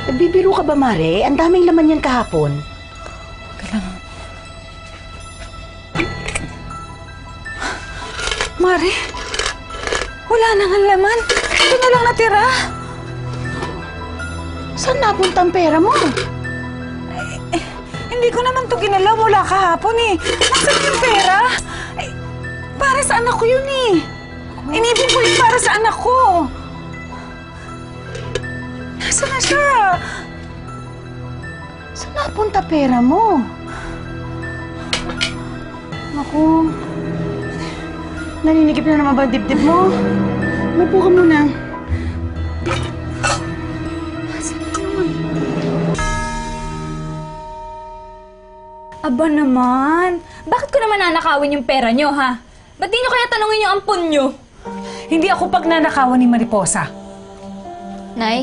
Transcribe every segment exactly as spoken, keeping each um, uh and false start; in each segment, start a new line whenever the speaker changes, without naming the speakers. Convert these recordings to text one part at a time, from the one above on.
Nagbibiro ka ba, Mare? Ang daming laman yan kahapon.
Kailangan... Mare, wala nang ang laman. Ito na lang natira.
Saan napunta ang pera mo?
Eh, eh, hindi ko naman ito ginalaw mula kahapon eh. Nasaan yung pera? Eh, para sa anak ko yun eh. Inipin ko yun para sa anak ko. Nasaan na siya?
Saan napunta pera mo? Naku. Naninigip na naman ba ang dibdib mo? Umupo ka muna.
Aba naman, bakit ko naman nanakawin yung pera nyo, ha? Ba't di nyo kaya tanungin yung ampon nyo?
Hindi ako pagnanakawan ni Mariposa.
Nay?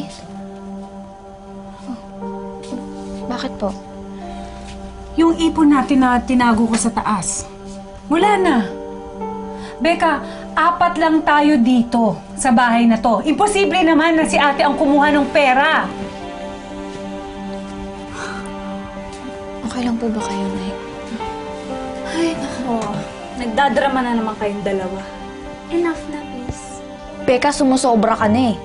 Bakit po?
Yung ipon natin na tinago ko sa taas. Wala na. Becca, apat lang tayo dito sa bahay na to. Imposible naman na si ate ang kumuha ng pera.
Okay lang po ba kayo, Nay?
Ay, nako. Nagdadrama na naman kayong dalawa. Enough na, please.
Becca, sumusobra ka na eh.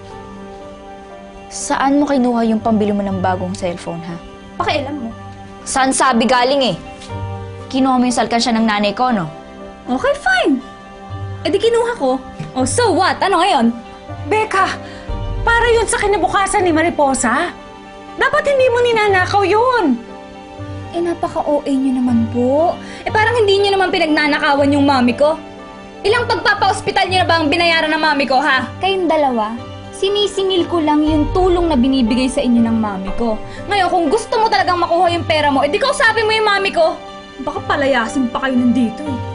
Saan mo kinuha yung pambili mo ng bagong cellphone, ha?
Pakialam mo.
Saan sabi galing eh? Kinuha mo yung salkansya ng nanay ko, no?
Okay, fine. E di kinuha ko. Oh, so what? Ano ngayon?
Becca, para yun sa kinabukasan ni Mariposa. Dapat hindi mo ninanakaw yun.
Eh, napaka-O A nyo naman po. Eh, parang hindi nyo naman pinagnanakawan yung mami ko. Ilang pagpapa-hospital nyo na ba ang binayaran ng mami ko, ha? Kayong dalawa, sinisingil ko lang yung tulong na binibigay sa inyo ng mami ko. Ngayon, kung gusto mo talagang makuha yung pera mo, eh di kausapin mo yung mami ko. Baka palayasin pa kayo nandito, eh.